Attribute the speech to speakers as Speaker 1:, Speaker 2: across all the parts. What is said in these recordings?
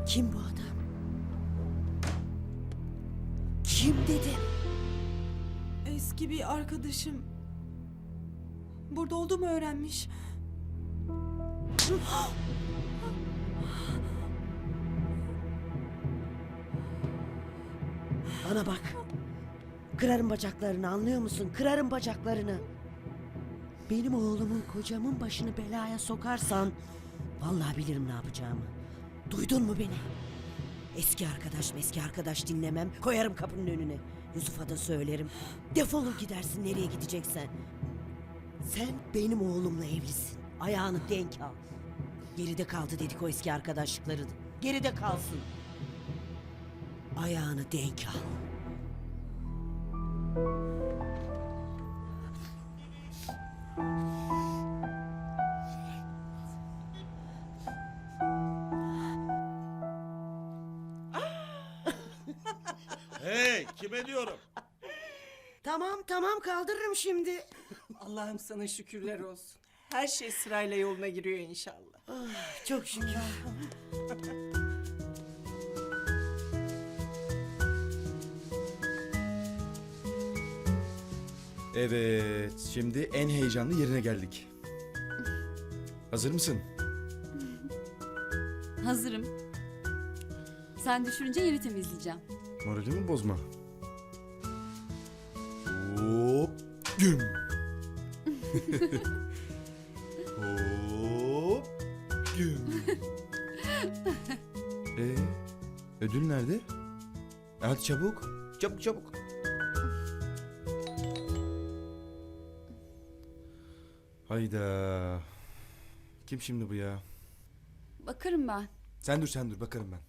Speaker 1: Kim bu adam? Kim dedim?
Speaker 2: Eski bir arkadaşım. Burada olduğumu öğrenmiş.
Speaker 1: Bana bak. Kırarım bacaklarını, anlıyor musun? Kırarım bacaklarını. Benim oğlumun, kocamın başını belaya sokarsan vallahi bilirim ne yapacağımı. Duydun mu beni? Eski arkadaş dinlemem. Koyarım kapının önüne. Yusuf'a da söylerim. Defolur gidersin nereye gideceksen. Sen benim oğlumla evlisin. Ayağını denk al. Geride kaldı dedik o eski arkadaşlıkları. Geride kalsın. Ayağını denk al.
Speaker 3: Hey, kime diyorum?
Speaker 1: Tamam kaldırırım şimdi.
Speaker 4: Allah'ım sana şükürler olsun. Her şey sırayla yoluna giriyor inşallah.
Speaker 1: Çok şükür.
Speaker 5: Evet, şimdi en heyecanlı yerine geldik. Hazır mısın?
Speaker 6: Hazırım. Sen düşününce yeri temizleyeceğim.
Speaker 5: Moralimi bozma. Hop, güm. Hop, güm. Ödül nerede? Hadi çabuk. Çabuk. Hayda. Kim şimdi bu ya?
Speaker 6: Bakarım ben.
Speaker 5: Sen dur bakarım ben.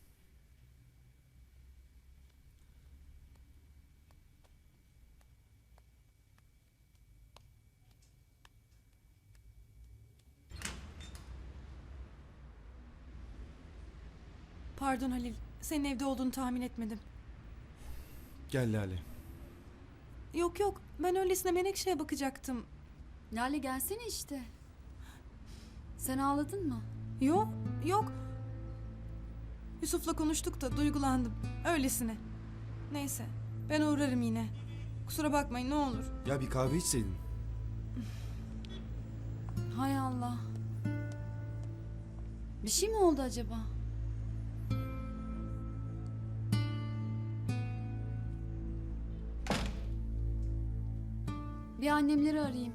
Speaker 2: Pardon Halil. Senin evde olduğunu tahmin etmedim.
Speaker 5: Gel Lale.
Speaker 2: Yok. Ben öylesine Menekşe'ye bakacaktım.
Speaker 6: Lale gelsene işte. Sen ağladın mı?
Speaker 2: Yok. Yusuf'la konuştuk da duygulandım. Öylesine. Neyse. Ben uğrarım yine. Kusura bakmayın ne olur.
Speaker 5: Ya bir kahve içseydin.
Speaker 6: Hay Allah. Bir şey mi oldu acaba? Bir annemleri arayayım.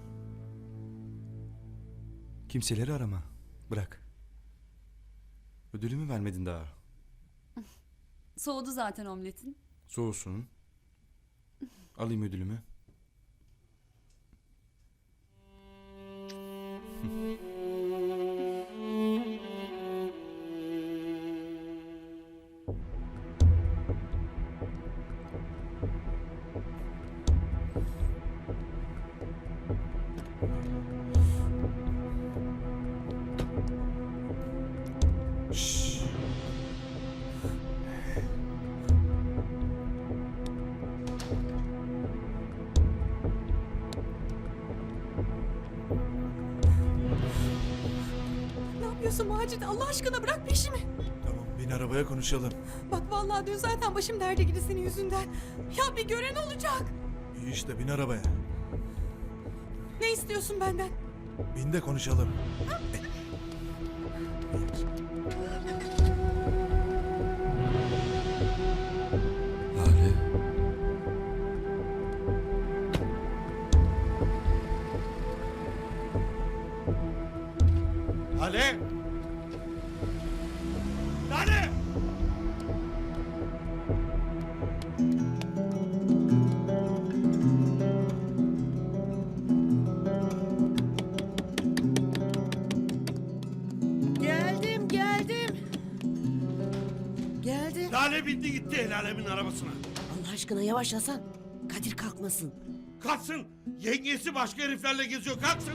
Speaker 5: Kimseleri arama. Bırak. Ödülümü vermedin daha.
Speaker 6: Soğudu zaten omletin.
Speaker 5: Soğusun. Alayım ödülümü. Şşş.
Speaker 2: Ne yapıyorsun Macit? Allah aşkına bırak peşimi.
Speaker 3: Tamam, bin arabaya konuşalım.
Speaker 2: Bak vallahi dün zaten başım derde girdi senin yüzünden. Ya bir gören olacak.
Speaker 3: İyi işte, bin arabaya.
Speaker 2: Ne istiyorsun benden?
Speaker 3: Bin de konuşalım.
Speaker 5: Lale.
Speaker 3: Lale! Lale!
Speaker 1: Geldim.
Speaker 3: Lale bindi gitti el alemin arabasına.
Speaker 1: Allah aşkına yavaş Hasan. Kadir kalkmasın.
Speaker 3: Kalksın! Yengesi başka heriflerle geziyor, kalksın!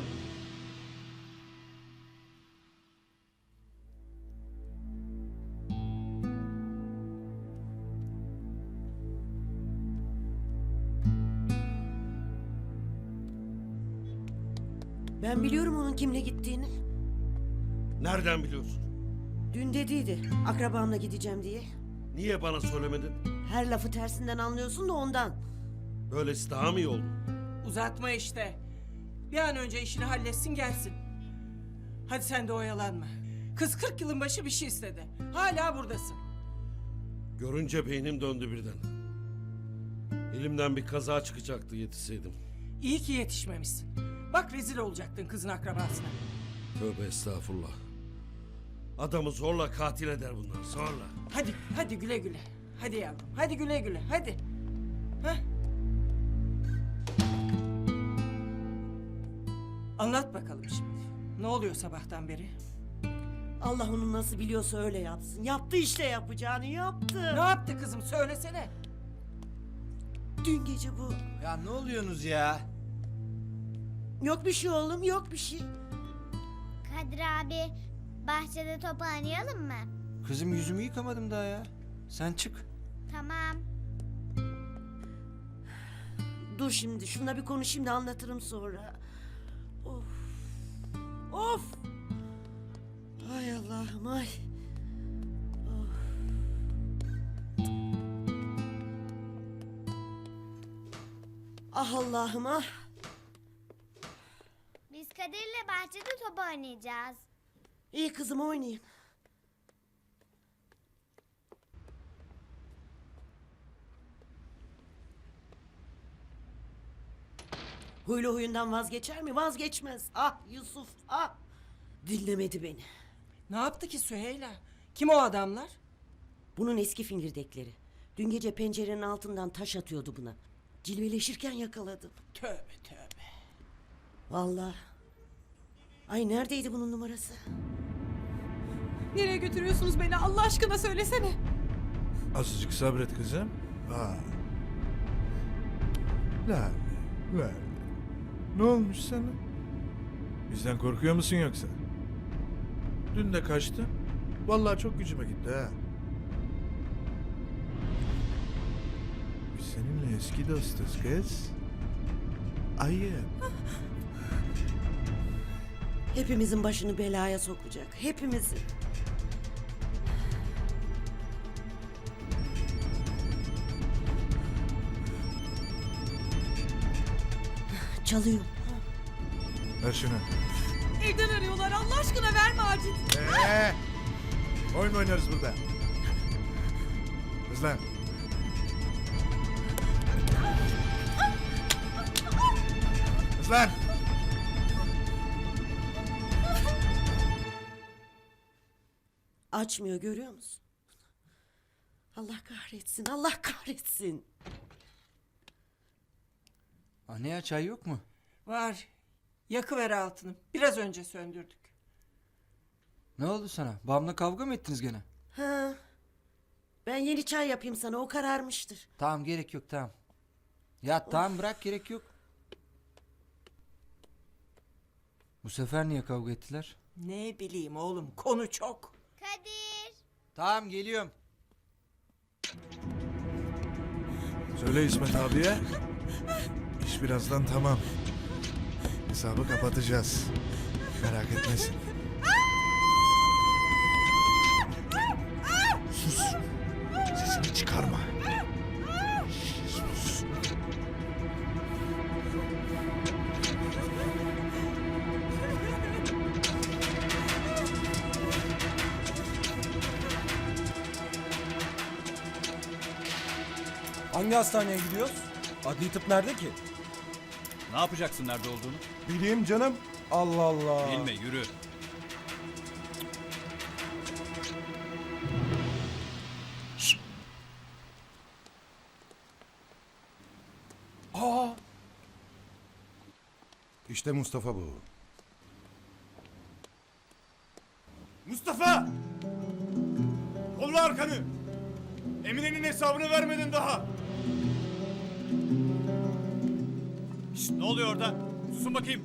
Speaker 1: Ben biliyorum onun kimle gittiğini.
Speaker 3: Nereden biliyorsun?
Speaker 1: Dün dediydi akrabamla gideceğim diye.
Speaker 3: Niye bana söylemedin?
Speaker 1: Her lafı tersinden anlıyorsun da ondan.
Speaker 3: Böylesi daha mı iyi oldu?
Speaker 4: Uzatma işte. Bir an önce işini halletsin gelsin. Hadi sen de oyalanma. Kız 40 yılın başı bir şey istedi. Hala buradasın.
Speaker 3: Görünce beynim döndü birden. Elimden bir kaza çıkacaktı yetişseydim.
Speaker 4: İyi ki yetişmemişsin. Bak rezil olacaktın kızın akrabasına.
Speaker 3: Tövbe estağfurullah. Adamı zorla katil eder bunlar, zorla.
Speaker 4: Hadi güle güle. Hadi yavrum, hadi güle güle, hadi. Heh. Anlat bakalım şimdi. Ne oluyor sabahtan beri?
Speaker 1: Allah onu nasıl biliyorsa öyle yapsın. Yaptı işte yapacağını yaptı.
Speaker 4: Ne yaptı kızım söylesene.
Speaker 1: Dün gece bu.
Speaker 7: Ya ne oluyorsunuz ya?
Speaker 1: Yok bir şey oğlum yok bir şey.
Speaker 8: Kadir abi, bahçede top oynayalım mı?
Speaker 7: Kızım yüzümü yıkamadım daha ya. Sen çık.
Speaker 8: Tamam.
Speaker 1: Dur şimdi şununla bir konuşayım da anlatırım sonra. Of. Of. Ay Allah'ım ay. Of. Ah Allah'ım ah.
Speaker 8: Biz Kadir'le bahçede top oynayacağız.
Speaker 1: İyi kızım oynayayım. Huylu huyundan vazgeçer mi? Vazgeçmez. Ah Yusuf ah. Dinlemedi beni.
Speaker 4: Ne yaptı ki Süheyla? Kim o adamlar?
Speaker 1: Bunun eski fingirdekleri. Dün gece pencerenin altından taş atıyordu buna. Cilveleşirken yakaladım.
Speaker 4: Tövbe tövbe.
Speaker 1: Vallahi. Ay neredeydi bunun numarası?
Speaker 2: Nereye götürüyorsunuz beni Allah aşkına söylesene.
Speaker 9: Azıcık sabret kızım. La la. Ne olmuş sana? Bizden korkuyor musun yoksa? Dün de kaçtın. Vallahi çok gücüme gitti ha. Biz seninle eski dostuz kız. Ayıp.
Speaker 1: Hepimizin başını belaya sokacak. Hepimizin. Çalıyor.
Speaker 9: Ver şunu.
Speaker 2: Evden arıyorlar Allah aşkına verme Acil.
Speaker 9: Oyun mu oynarız burada? Kız lan. Kız lan.
Speaker 1: Açmıyor görüyor musun? Allah kahretsin, Allah kahretsin.
Speaker 7: Anne ya çay yok mu?
Speaker 4: Var. Yakıver altını. Biraz önce söndürdük.
Speaker 7: Ne oldu sana? Babamla kavga mı ettiniz gene?
Speaker 1: Ha. Ben yeni çay yapayım sana, o kararmıştır.
Speaker 7: Tamam gerek yok tamam. Ya tamam bırak gerek yok. Bu sefer niye kavga ettiler?
Speaker 4: Ne bileyim oğlum konu çok.
Speaker 8: Kadir.
Speaker 7: Tamam geliyorum.
Speaker 9: Söyle İsmet abiye. İş birazdan tamam. Hesabı kapatacağız. Merak etmesin. Sus. Sesini çıkarma. Sus.
Speaker 10: Hangi hastaneye gidiyoruz? Adli tıp nerede ki?
Speaker 11: Ne yapacaksın nerede olduğunu?
Speaker 10: Bileyim canım. Allah Allah.
Speaker 11: Bilme yürü.
Speaker 10: Aa,
Speaker 9: İşte Mustafa bu.
Speaker 10: Mustafa! Kolla arkanı. Emine'nin hesabını vermedin daha.
Speaker 11: Şşt, ne oluyor orada? Susun bakayım.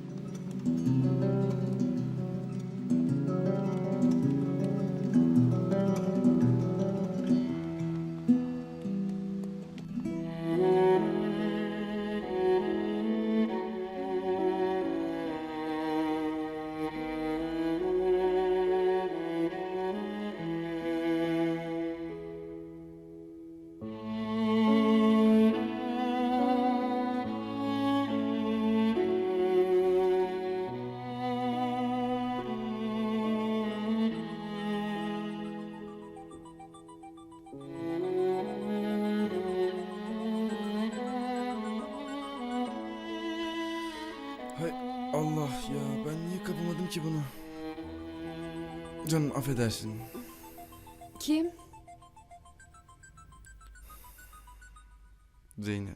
Speaker 5: ki bunu? Canım affedersin.
Speaker 6: Kim?
Speaker 5: Zeynep.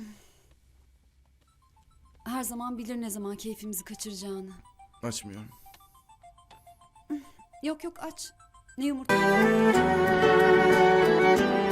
Speaker 6: Her zaman bilir ne zaman keyfimizi kaçıracağını.
Speaker 5: Açmıyorum.
Speaker 6: Yok yok aç. Ne yumurta?